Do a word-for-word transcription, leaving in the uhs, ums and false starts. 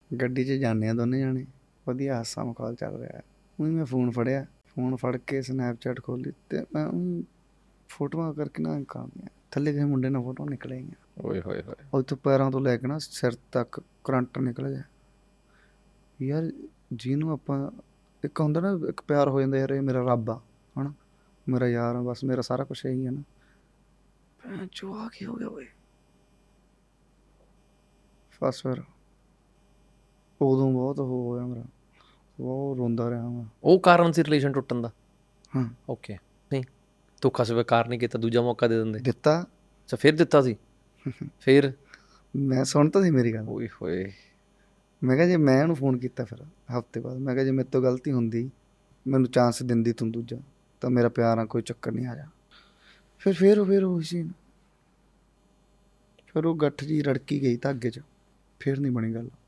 ਗੱਡੀ 'ਚ ਜਾਂਦੇ ਹਾਂ ਦੋਨੇ ਜਾਣੇ, ਵਧੀਆ ਹਾਸਾ ਮਖੌਲ ਚੱਲ ਰਿਹਾ। ਉਹੀ ਮੈਂ ਫੋਨ ਫੜਿਆ, ਫੋਨ ਫੜ ਕੇ ਸਨੈਪਚੈਟ ਖੋਲ੍ਹੀ ਅਤੇ ਮੈਂ ਊਂ ਫੋਟੋਆਂ ਕਰਕੇ ਨਾ ਕਰਦੀਆਂ ਥੱਲੇ ਕਿਸੇ ਮੁੰਡੇ ਨਾਲ ਫੋਟੋਆਂ ਨਿਕਲ ਆਈਆਂ। ਓਏ ਹੋਏ ਹੋਏ। ਉੱਥੋਂ ਪੈਰਾਂ ਤੋਂ ਲੈ ਕੇ ਨਾ ਸਿਰ ਤੱਕ ਕਰੰਟ ਨਿਕਲ ਗਿਆ। ਯਾਰ ਜਿਹਨੂੰ ਆਪਾਂ ਇੱਕ ਹੁੰਦਾ ਨਾ ਇੱਕ ਪਿਆਰ ਹੋ ਜਾਂਦਾ, ਯਾਰ ਇਹ ਮੇਰਾ ਰੱਬ ਆ ਹੈ ਨਾ, ਮੇਰਾ ਯਾਰ ਆ, ਬਸ ਮੇਰਾ ਸਾਰਾ ਕੁਛ ਇਹੀ ਹੈ ਨਾ। ਭੈਣ ਚੋ ਆ ਕੀ ਹੋ ਗਿਆ ਓਏ। ਬਸ ਫਿਰ ਉਦੋਂ ਬਹੁਤ ਉਹ ਹੋਇਆ ਮੇਰਾ, ਬਹੁਤ ਰੋਂਦਾ ਰਿਹਾ ਮੈਂ। ਉਹ ਕਾਰਨ ਸੀ ਰਿਲੇਸ਼ਨ ਟੁੱਟਣ ਦਾ? ਹਾਂ ਓਕੇ। ਨਹੀਂ ਧੋਖਾ ਸਵੀਕਾਰ ਨਹੀਂ ਕੀਤਾ, ਦੂਜਾ ਮੌਕਾ ਦੇ ਦਿੰਦੇ। ਦਿੱਤਾ। ਅੱਛਾ ਫਿਰ ਦਿੱਤਾ ਸੀ? ਫਿਰ ਮੈਂ ਸੁਣ ਤਾਂ ਸੀ ਮੇਰੀ ਗੱਲ। ਓਏ ਹੋਏ। ਮੈਂ ਕਿਹਾ ਜੇ ਮੈਂ ਉਹਨੂੰ ਫੋਨ ਕੀਤਾ ਫਿਰ ਹਫ਼ਤੇ ਬਾਅਦ, ਮੈਂ ਕਿਹਾ ਜੇ ਮੇਰੇ ਤੋਂ ਗਲਤੀ ਹੁੰਦੀ, ਮੈਨੂੰ ਚਾਂਸ ਦਿੰਦੀ ਤੂੰ ਦੂਜਾ, ਤਾਂ ਮੇਰਾ ਪਿਆਰ ਆ, ਕੋਈ ਚੱਕਰ ਨਹੀਂ, ਆ ਜਾ। ਫਿਰ ਫਿਰ ਫਿਰ ਉਹੀ ਸੀ, ਫਿਰ ਉਹ ਗੱਠ ਜੀ ਰੜਕੀ ਗਈ ਧਾਗੇ 'ਚ, ਫਿਰ ਨਹੀਂ ਬਣੀ ਗੱਲ।